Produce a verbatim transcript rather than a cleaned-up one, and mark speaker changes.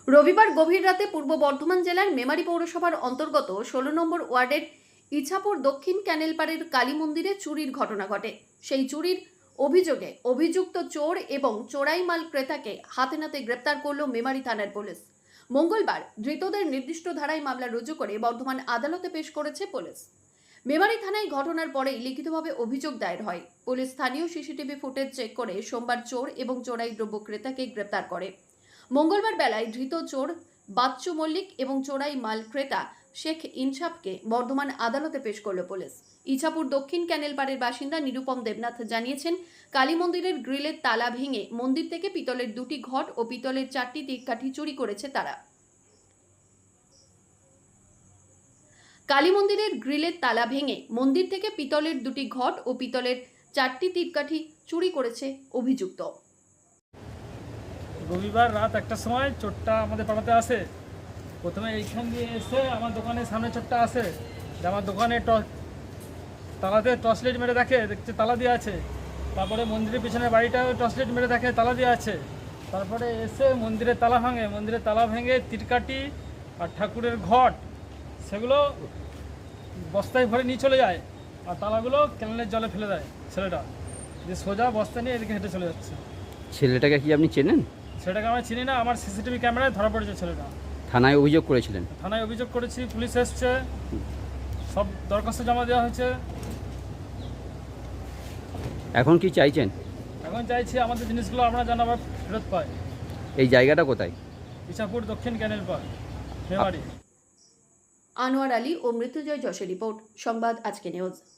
Speaker 1: রবিবার গভীর রাতে পূর্ব বর্ধমান জেলার মেমারি পৌরসভার অন্তর্গত ষোলো নম্বর ওয়ার্ডের ইছাপুর দক্ষিণ ক্যানেলপাড়ের কালী মন্দিরে চুরির ঘটনা ঘটে। সেই চুরির অভিযোগে অভিযুক্ত চোর এবং চোরাই মাল ক্রেতাকে হাতে নাতে গ্রেপ্তার করল মেমারি থানার পুলিশ। মঙ্গলবার ধৃতদের নির্দিষ্ট ধারায় মামলা রুজু করে বর্ধমান আদালতে পেশ করেছে পুলিশ। মেমারি থানায় ঘটনার পরেই লিখিতভাবে অভিযোগ দায়ের হয়। পুলিশ স্থানীয় সিসিটিভি ফুটেজ চেক করে সোমবার চোর এবং চোরাই দ্রব্য ক্রেতাকে গ্রেপ্তার করে। মঙ্গলবার বেলায় ধৃত চোর বাচ্চু মল্লিক এবং চোরাই মাল ক্রেতা শেখ ইনসাফকে বর্ধমান আদালতে পেশ করল পুলিশ। ইছাপুর দক্ষিণ ক্যানেলপাড়ের বাসিন্দা নিরুপম দেবনাথ জানিয়েছেন, কালী মন্দিরের গ্রিলের তালা ভেঙে মন্দির থেকে পিতলের দুটি ঘট ও পিতলের চারটি দিককাঠি চুরি করেছে তারা। কালী মন্দিরের গ্রিলের তালা ভেঙে মন্দির থেকে পিতলের দুটি ঘট ও পিতলের চারটি তীরকাঠি চুরি করেছে অভিযুক্ত।
Speaker 2: রবিবার রাত একটার সময় চোরটা আমাদের পাড়াতে আসে। প্রথমে এইখান দিয়ে এসে আমার দোকানের সামনে চোরটা আসে, যে আমার দোকানে তালাতে টর্চ লাইট মেরে দেখে, দেখছে তালা দিয়ে আছে। তারপরে মন্দিরের পিছনে বাড়িটাও টর্চ লাইট মেরে দেখে তালা দিয়ে আছে। তারপরে এসে মন্দিরের তালা ভাঙে, মন্দিরের তালা ভেঙে তীরকাঠি আর ঠাকুরের ঘট সেগুলো বস্তায় ভরে নিয়ে চলে যায়, আর তালাগুলো ক্যানেলের জলে ফেলে দেয় ছেলেটা, যে সোজা বস্তা নিয়ে এদিকে হেঁটে চলে যাচ্ছে।
Speaker 3: ছেলেটাকে কি আপনি চেনেন?
Speaker 2: সেটাকে আমরা চিনি না, আমার সিসিটিভি ক্যামেরায় ধরা পড়েছে ছেলেটা।
Speaker 3: থানায় অভিযোগ করেছিলেন?
Speaker 2: থানায় অভিযোগ করেছি, পুলিশ এসছে, সব দরখাস্ত জমা দেওয়া হয়েছে।
Speaker 3: এখন কি চাইছেন?
Speaker 2: এখন চাইছি আমাদের জিনিসগুলো আমরা যেন আবার ফেরত পাই।
Speaker 3: এই জায়গাটা কোথায়?
Speaker 2: ইছাপুর দক্ষিণ ক্যানেলপাড়, মেমারি।
Speaker 1: আনোয়ার আলী ও মৃত্যুঞ্জয় যশের রিপোর্ট, সংবাদ আজকে নিউজ।